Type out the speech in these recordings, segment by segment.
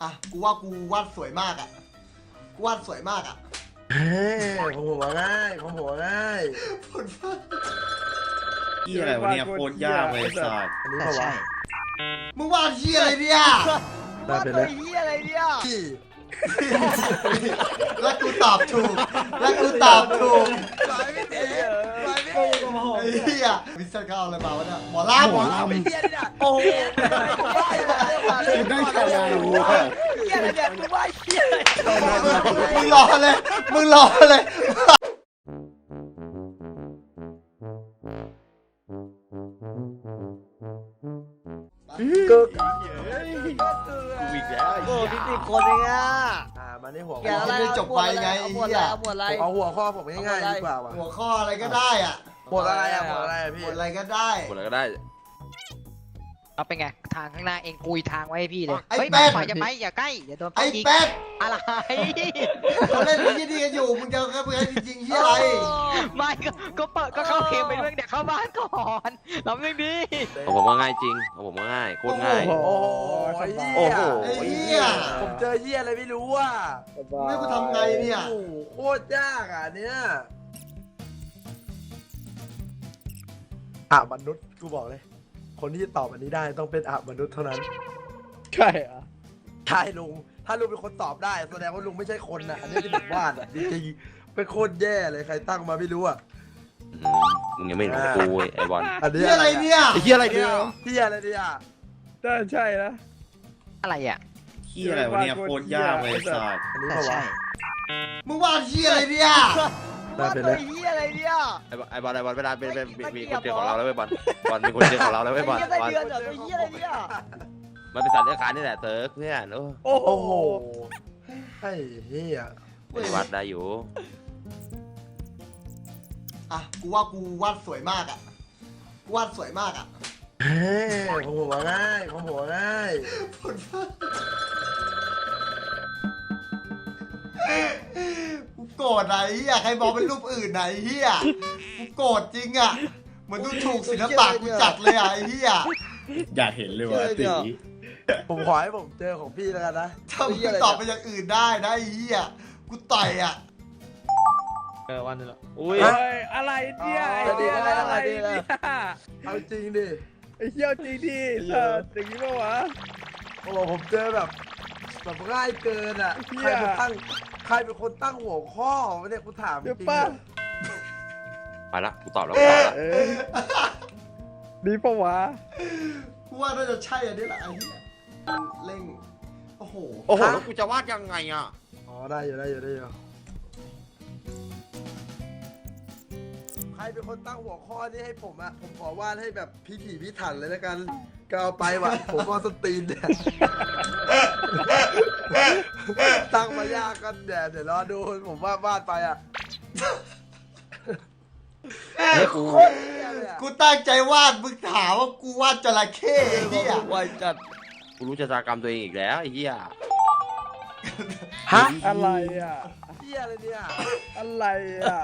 อ่ะกูว่ากูวาดสวยมากอ่ะกูวาดสวยมากอ่ะเฮ้ยผมหัวง่ายผมหัวง่ายผลฟ้าเหี้ยอะไรวะเนี่ยโคตรยากเลยสัตว์อันนี้เปล่าวะมึงวาดเหี้ยอะไรเนี่ยได้ไปแล้วเฮียอะไรเนี่ยพี่แล้วกูตอบถูกแล้วกูตอบถูกลายไม่ดีลายไม่ดีไอ้เหี้ยวิสเซอร์เขาเอาอะไรมาวะเนี่ยหมอลำไม่เฮียเนี่ยโอ้โหผมว่าอะไรกูได้แค่ไหนวะเฮียอะไรเนี่ยกูว่าเฮียอะไรมึงรอเลยมึงรอเลยก็กูอีกแล้วไอ้โอ้เหี้ยพี่คนเองอ่ะมาในหัวแกอะไรไม่จบไปไงเอาไอ้หมดเหี้อะไรยเอาหมดอะไรเอาหัวข้อผมง่ายๆดีกว่าว่ะหัวข้ออะไรก็ได้อ่ะหมดอะไรอ่ะหมดอะไรอ่ะพี่หมดอะไรก็ได้หมดแล้วก็ได้เอาเป็นไงทางข้างหน้าเองกุยทางไว้ให้พี่เลยไอ้เฮ้ยแป๊ดฝ่ายจะไปอย่าใกล้อย่าโดนไอ้ยิงแป๊ดอะไรเขาเล่นที่นี่กันอยู่มึงจะแค่เพื่อนจริงๆที่อะไรไม่ก็เปิดก็เข้าเกมไปเรื่องเดี๋ยวเข้าบ้านก่อนเราเรื่องดีของผมว่าง่ายจริงของผมว่าง่ายโคตรง่ายโอ้โหโอ้โหไอ้เหี้ยผมเจอเหี้ยอะไรไม่รู้อ่ะมึงให้กูทำไงเนี่ยโอ้โหโคตรยากอ่ะเนี่ยมนุษย์กูบอกเลย คนที่จะตอบอันนี้ได้ต้องเป็นมนุษย์เท่านั้นใช่เหรอใช่ลุงถ้าลุงเป็นคนตอบได้แสดงว่าลุงไม่ใช่คนนะอันนี้ที่ผมวาดอ่ะจริงๆเป็นโคตรแย่เลยใครตั้งมาไม่รู้อ่ะมึงยังไม่รู้กูไอ้บอลอันนี้ที่อะไรเนี่ยไอ้เหี้ยอะไรเนี่ยที่อะไรเนี่ยน่าใช่นะอะไรอ่ะเหี้ยอะไรวะเนี่ยโคตรยากเลยสัตว์อันนี้แต่เปล่าวะใช่มึงวาดที่อะไรเนี่ยได้ไปแล้วเฮียอะไรเนี่ยไอ้บอลเวลาเป็นมีคนเจอของเราแล้วไอ้บอลมีคนเจอของเราแล้วไอ้บอลเฮียอะไรเดือนเหรอเฮียอะไรเนี่ยมันเป็นสัตว์เลื้อยคลานนี่แหละเติร์กเพื่อนโอ้โอ้โหโอ้โหไอ้เหี้ยไม่วัดได้อยู่อ่ะกูว่ากูวาดสวยมากอ่ะกูวาดสวยมากอ่ะเฮ้ยผมหัวง่ายผมหัวง่ายผลฟ้ากูโกรธไหนเฮียใครมองเป็นรูปอื่นไหนเฮียกูโกรธจริงอ่ะเหมือนดูถูกศิลปะกูจัดเลยอ่ะไอ้เฮียอยากเห็นเลยว่ะตีผมขอให้ผมเจอของพี่แล้วกันนะถ้ามึงตอบไปอย่างอื่นได้นะไอ้เฮียกูต่อยอ่ะวันนึงละอุ้ยเฮ้ยอะไรเนี่ยไอ้เหี้ยอะไรเนี่ยเอาจริงดิไอ้เหี้ยจริงดิสัตว์อย่างนี้ปะวะโอ้โหผมเจอแบบง่ายเกินอ่ะเหี้ใครยเป็นคนตั้งหัวข้อวะเนี่ยกูถามจเดี๋ยวริงป้าไปละกูตอบแล้วกูตอบละเอ้ยดีปะวะกูว่าน่าจะใช่อันนี้แหละไอ้เหี้ยเร่ง โอ้โหโอ้โหแล้วกูจะวาดยังไงอ่ะอ๋อได้อยู่ได้อยู่ใครเป็นคนตั้งหัวข้อนี้ให้ผมอ่ะผมขอวาดให้แบบพิถีพิถันเลยแล้วกันก็เอาไปว่ะ ผมก็สตรีนเนี่ยตั้งมายากกันเดี๋ยวรอดูผมวาดไปอ่ะกูโคตรเหี้ยเลยอะกูตั้งใจวาดมึงถามว่ากูวาดจระเข้ไอ้เหี้ยวายจัดกูรู้ชะตากรรมตัวเองอีกแล้วไอ้เหี้ยฮะอะไรอ่ะเหี้ยอะไรเนี่ยอะไรอ่ะ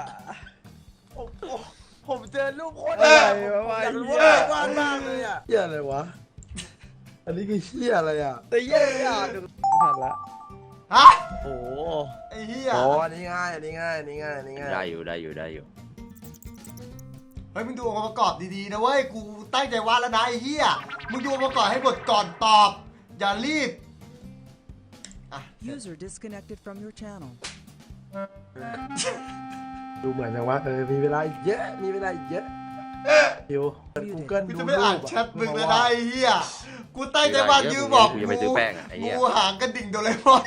ผมเจอรูปโคตรอะไรวะผมอยากรู้เหี้ว่าย วาดมากเลยอ่ะเหี้ยอะไรวะ อันนี้คือเหี้ยอะไรอ่ะแต่เหี้ยอ่ะดูหันละฮะโอ้โหไอ้เหี้ยโอ้อันนี้ง่ายอันนี้ง่ายอันนี้ง่ายอันนี้ง่ายได้อยู่ได้อยู่ได้อยู่เฮ้ยมึงดูองค์ประกอบดีๆนะเว้ย กูตั้งใจวาดแล้วนะไอ้เหี้ย มึงดูองค์ประกอบให้หมดก่อนตอบ อย่ารีบ อ่ะ User disconnected from your channel. ดูเหมือนจังวะมีเวลาอีกเยอะมีเวลาอีกเยอะเดี๋ยวกูเกิลกูดูจะรูไม่อ่านปแชทมึงเลยนะไอ้เหี้ย กูตั้งใจวาดยืมบอกกูจะไปซื้อแป้งอ่ะไอ้เหี้ยกูหางกระดิ่งโดเรมอน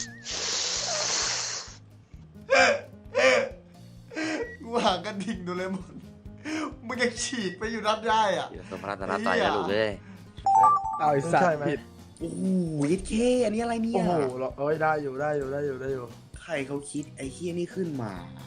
กูหางกระดิ่งโดเรมอน มึงยังฉีกไปอยู่นัดได้อ่ะเดี๋ยวสมรัตนาตายนะลูกเอ้ยเอาไอ้สัตใช่ว์ไหมผิดโอ้โหเท่อันนี้อะไรเนี่ยโอ้โหเอ้ยได้อยู่ได้อยู่ได้อยู่ได้อยู่ใครเขาคิดไอ้เหี้ยนี่ขึ้นมา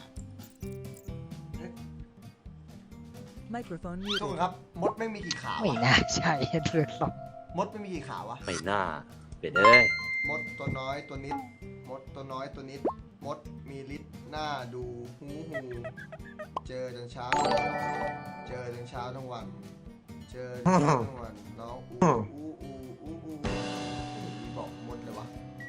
Microphone ทุกคน muted. ครับ มดไม่มีกี่ขาไม่วะน่าใช่เรื่องหรอกมดไม่มีกี่ขาวะไม่น่าเป็ดเอ้ยมดตัวน้อยตัวนิด มดตัวน้อยตัวนิด มดมีฤทธิ์หน้าดูหูเจอจนเช้า เจอจนเช้าทั้งวัน เจอจนเช้าทั้งวันน้องอู้บอกมดเลยวะ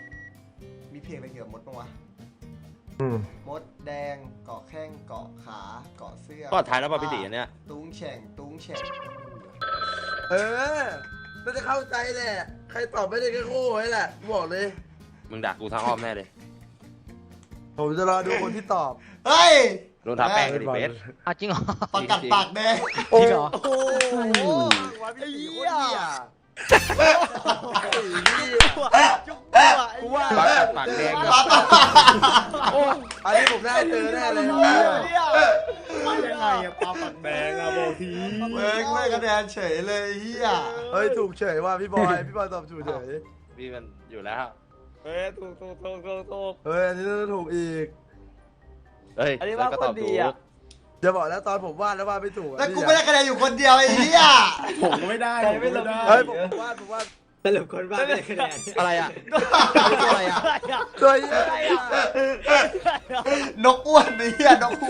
มีเพลงอะไรเกี่ยวกับมดบ้างวะ มดแดงเกาะแข้งเกาะขาเกาะเสื้อก็ท้ายแล้วป่ะพี่ตีอันเนี้ยตุ้งแฉ่งตุ้งแฉ่งเออน่าจะเข้าใจแหละใครตอบไม่ได้ก็โง่ไว้แหละกูบอกเลยมึงด่ากูทางอ้อมแน่เลยผมจะรอดูคนที่ตอบเฮ้ยลงทาแป้งกันดิเบสเอาจริงเหรอประกัดปากแดงจริงเหรอโอ้โหไอ้เหี้ยกูว่าปากกัดปากแดงโอ้อันนี้ผมได้เจอแน่เลยยังไงอะปลาปักแดงอะบอกทีเว้ยไม่คะแนนเฉยเลยเฮียเฮ้ยถูกเฉยว่าพี่บอยตอบถูกเฉยพี่มันอยู่แล้วเฮ้ยถูกเฮ้ยอันนี้น่าจะถูกอีกเฮ้ยแล้วก็ตอบถูกจะบอกแล้วตอนผมวาดแล้ววาดไม่ถูกแล้วกูไม่ได้คะแนนอยู่คนเดียวไอ้เฮียผมก็ไม่ได้ผมก็ไม่ได้เฮ้ยผมวาดสรุปคนบ้าไม่ได้คะแนนอะไรอ่ะอะไรอ่ะตัวเหี้ยนกอ้วนไอ้เฮียนกอ้วน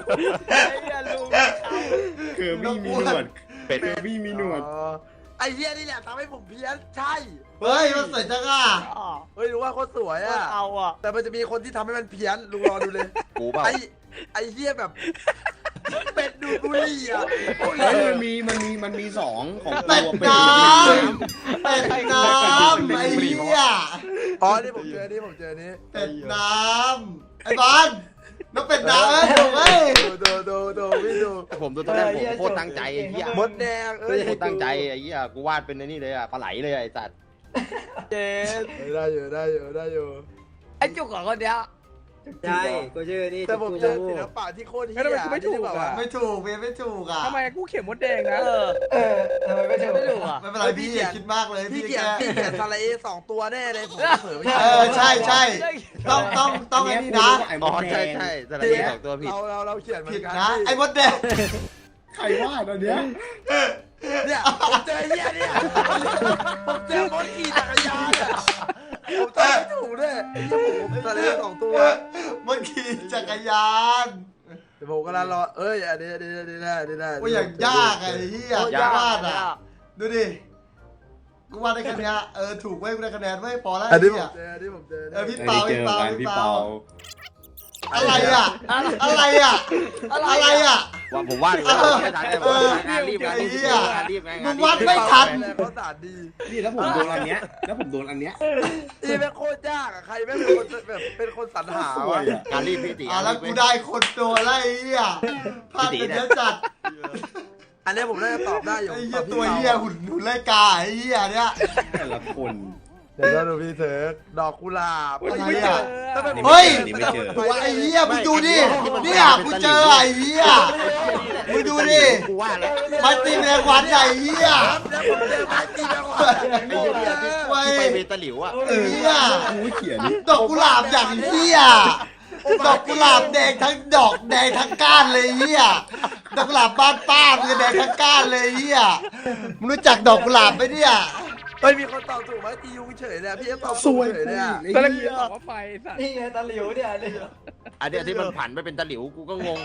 เคือบี้มีหนวดเป็ดเคือบี้มีหนวดอ๋อไอ้เหี้ยนี่แหละทำให้ผมเพี้ยนใช่เฮ้ยมันสวยจังอ่ะเฮ้ยรู้ว่าโคตรสวยอ่ะเอาอ่ะแต่มันจะมีคนที่ทำให้มันเพี้ยนลุงรอดูเลยกูเปล่าไอ้เหี้ยแบบเป็ดดูดบุหรี่อ่ะเฮ้ยมันมีสองของเป็ดตัวน้เป็ดำเป็ดน้ำไอ้เฮียอ๋อนี่ผมเจอนี่เป็ดน้ำไอ้บอลนกเป็ดน้ำเอ้ยถูกเว้ยดูพี่ดูผมดูตอนแรกผมโคตรตั้งใจไอ้เหี้ยมดแดงเอ้ยโคตรตั้งใจไอ้เหี้ยกูวาดเป็นไอ้นี่เลยอ่ะปลาไหลเลยไอ้สัตว์เจนได้อยู่ไอ้จุกของคนเนี้ยใช่กูชื่อนี่แต่ผมเจอศิลปะที่โคตรเหี้ยแล้วทำไมกูไม่ถูกอ่ะไม่ถูกเว้ยไม่ถูกอ่ะทำไมกูเขียนมดแดงนะทำไมไม่ถูกไม่ถูกอ่ะไม่เป็นไรพี่อย่าคิดมากเลยพี่พี่เขียนแค่ทะเล2 ตัวแน่เลยผมเผลอไม่เออใช่ต้องไอ้นี่นะไอ้มอ๋อดแดใช่งสระเอีสองตัวผิดเราเขียนเหมือผิดนกันนะไอ้มดแดงใครวาดอันเนี้ยเนี่ยผมเจอเหี้ยเนี่ยผมเจอมดขี่จักรยานอ่ะผมตอบไม่ถูกด้วยไอ้เหี้ยผมทะเล2 ตัวมันขี่จักรยานเดี๋ยวผมกำลังรอเอ้ยอันนี้ได้ว่าอย่างยากไอ้เหี้ยยากวาดอ่ะดูดิกูวาดได้คะแนนถูกเว้ยกูได้คะแนนเว้ยพอแล้วอันนี้ไอ้ผเหี้ยมเจออันนี้ผมเจอพี่ไม่เปาได้เจพี่อเปากันพี่พี่เปาเปาอะไรอ่ะอะไรอ่ะอะไรอ่ะว่าผมวาดอยู่แล้วไม่ทันเลยผมงานรีบงานรีบไงมึงวาดไม่ทันเขาสาดดีนี่แล้วผมโดนอันเนี้ยนี่แม่งโคตรยากอ่ะใครแม่งเป็นคนแบบเป็นคนสรรหาสววะยอะการรีบพี่ตีแล้วกูได้คนโดนไล่เหี้ยพลาดเป็นเยอะจัดอันนี้ผมน่าจะตอบได้อยู่ไอ้เหี้ยตัวเหี้ยหุ่นไล่กาไอ้เหี้ยเนี่ยแต่ละคนเดี๋ยวเราดูพี่เถิกดอกกุหลาบอะไรไม่อ่ะถ้าเป็นเฮ้ยนี่ไม่เจอตัวไอ้เหี้ยมึงดูดิเนี่ยกูเจอไอ้เหี้ยมึงดูดิกูวาดแล้วมาตีแมงวันใหญ่เหี้ยแล้วผมเจอไม้ตีแมงวันโง่เลยไว้ไปเมตาหลิวอ่ะเหี้ยกูเขียนดอกกุหลาบอย่างเหี้ยดอกกุหลาบแดงทั้งดอกแดงทั้งก้านเลยเหี้ยดอกกุหลาบบ้านป้ามันจะแดงทั้งก้านเลยเหี้ยมึงรู้จักดอกกุหลาบไหมเนี่ยเฮ้ยมีคนตอบถูกไหมตียุงเฉยเลยพี่ตอบสถูกวยเฉยเลยอ่ะตอนแรกกูจะตอบว่าไฟสัตว์นี่ไงตะหลิวเนี่ยนี่อันเนี้ยที่มันผันไปเป็นตะหลิวกูก็งง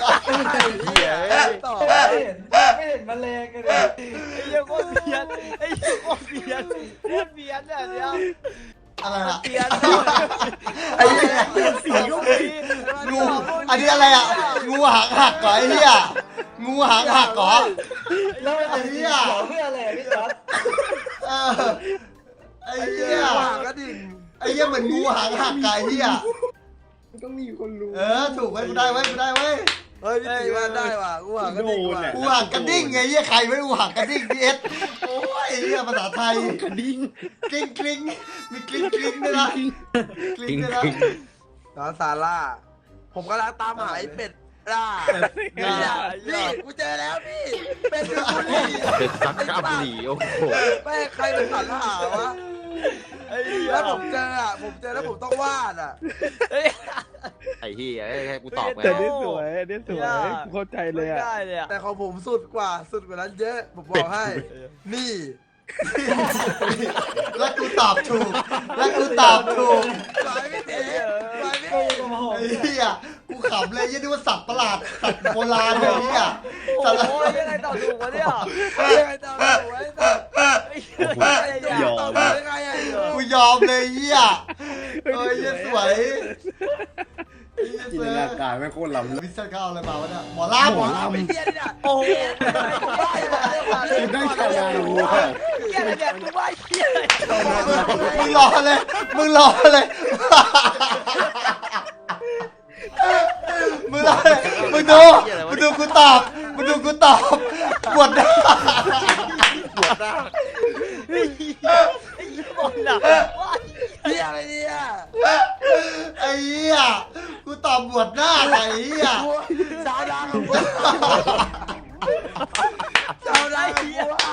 ตอบไม่เห็นแมลงกันเลยไอ้เหี้ยโคตรเพี้ยนไอ้เหี้ยโคตรเพี้ยนเนี่ยอะไรอะเพี้ยนไอ้เหี้ยสีก็ไม่งูอันนี้อะไรอ่ะงูหางหักเหรอไอ้เหี้ยงูหางหักเหรอแล้วไอ้เหี้ยเพื่ออะไรพี่จ๊อบเออไอ้เหี้ยหางกระดิ่งไอ้เหี้ยเหมือนงูหางหักไก่เหี้ยต้องมีคนรู้ถูกไว้กูได้ไว้กูได้ไว้เฮ้ยพี่ตีว่าได้ว่ะกูหางกระดิ่งว่ะงูหางกระดิ่งไงเหี้ยใครไม่งูหางกระดิ่งพีเอสโอ้ยเหี้ยภาษาไทยกระดิ่งกลิ้งกลิ้งมีกลิ้งกลิ้งด้วยนะกลิ้งด้วยนะน้องซาร่าผมกำลังตามหาไอ้เป็ดล่านี่กูเจอแล้วพี่เป็ดดูบุหรี่เป็นซักกาบุหรี่โอ้โหแม่ใครเป็นสรรหาวะแล้วผมเจอแล้วผมต้องวาดอ่ะไอ้ที่ให้กูตอบไงแต่นี่สวยนี่สวยกูเข้าใจเลยอ่ะแต่ของผมสุดกว่านั้นเยอะผมบอกให้ นี่แล้วกูตอบถูกแล้วกูตอบถูกสายไม่ตีสายไม่โอ้ตีโหไอ้เหี้ยกูขำเลยยี่นึกว่าสัตว์ประหลาดสัตว์โบราณเลยเหี้ยสัตว์โอ้ยยังไงตอบถูกวะเนี่ยยังไงตอบถูกไว้ตอบยอตอบมถูกยังไงอ่ะกูยอมเลยเหี้ยเอ้ยเหี้ยสวยจินตนาการไม่โคตรล้ำวิศวกรรมอะไรมาวะเนี่ยหมอลำหมอลำไม่เหี้ยนี่น่ะโอ้โหคุณได้ชาวนาวัวเหี้ยอะไรเนี่ยกูว่าเหี้ยอะไรมึงรอเลยมึงรอเลยมึงรอเลยมึงดูกูตอบมึงดูกูตอบบวชได้ปวดหน้าไอ้เหี้ยบอลน่ะว่าเหี้ยอะไรเนี่ยไอ้เหี้ยกูตอบบวชหน้าไอ้เหี้ยชาวนาของกูชาวนาของกูอ้าว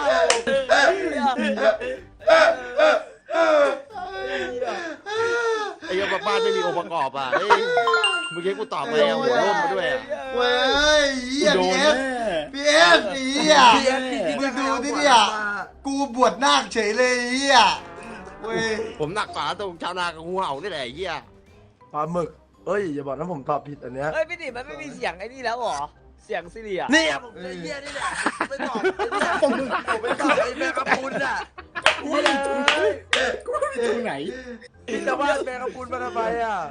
ไอ้เหี้ยบ้านไม่มีองค์ประกอบอ่ะเฮ้ยเมื่อกี้กูตอบไปเอาหัวร่มมาด้วยอ่ะเว้ยเหี้ยโดพีนเอแน่ฟพีเอฟเหี้ยพี่เอฟพี่มึงดูที่เนี่ยกูบวชนาคเฉยเลยเหี้ยเว้ยผมหนักกว่าตรงชาวนากับงูเห่านี่แหละไอ้เหี้ยปลาหมึกเอ้ยอย่าบอกนะผมตอบผิดอันเนี้ยเฮ้ยพี่ดิมันไม่มีเสียงไอ้นี่แล้วเหรอเสียงซิริอ่ะเนี่ยผมไอ้เหี้ยนี่แหละไม่ตอบไอ้เนี่ยผมไม่ตอบไอ้แมงกะพรุนอ่ะเหี้ยเลยกูไม่มีตรงไหนพี่จะว่าแมงกะพรุนมาทำไมอ่ะ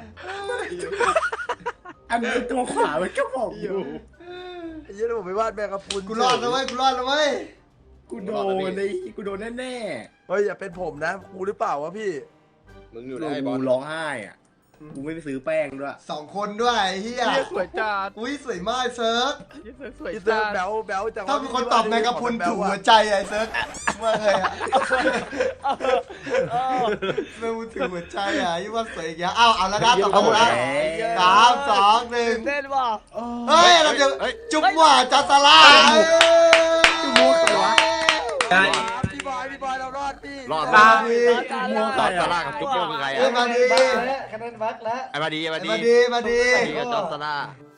อันนี้ตัวขวามันก็บอกอยู่ไอ้เหี้ยผมไปวาดแมงกะพรุนกูรอดแล้วเว้ยกูรอดแล้วเว้ยกูโดนเลยกูโดนแน่เฮ้ยอย่าเป็นผมนะกูหรือเปล่าวะพี่มึงอๆยู่กูได้บอลร้องไห้อ่ะกูไม่ไปซื้อแป้งด้วย 2 คนด้วยไอ้เหี้ยเหี้ยสวยจัดอุ้ยสวยมากเซิร์ฟสวยพี่เติจัร์ดแบลแบลจังถ้าเป็นคนตอบแมงกะพรุนถูกหัวใจไอ้เซิร์ฟว่าไงอะแมงกะพรุนถูกหัวใจอ่ะยี่ว่าสวยอีกอย่างอ้าวเอาแล้วนะต่อไปนะ3 2 เต้นว่ะ 1เฮ้ยเราจะจุ๊บหว่าจัสลาจุ๊บมั่วใครวะพี่บอยเรารอดพี่รอดมามาดีมั่วใครตาอ่ะล่ากับจุ๊บโป้คือใครเอ้ยอ่ะมาดีคะแนนวัดแล้วไอ้มาดีไอ้มาดีมาดีมาดีไอ้กับจอร์สตาร่า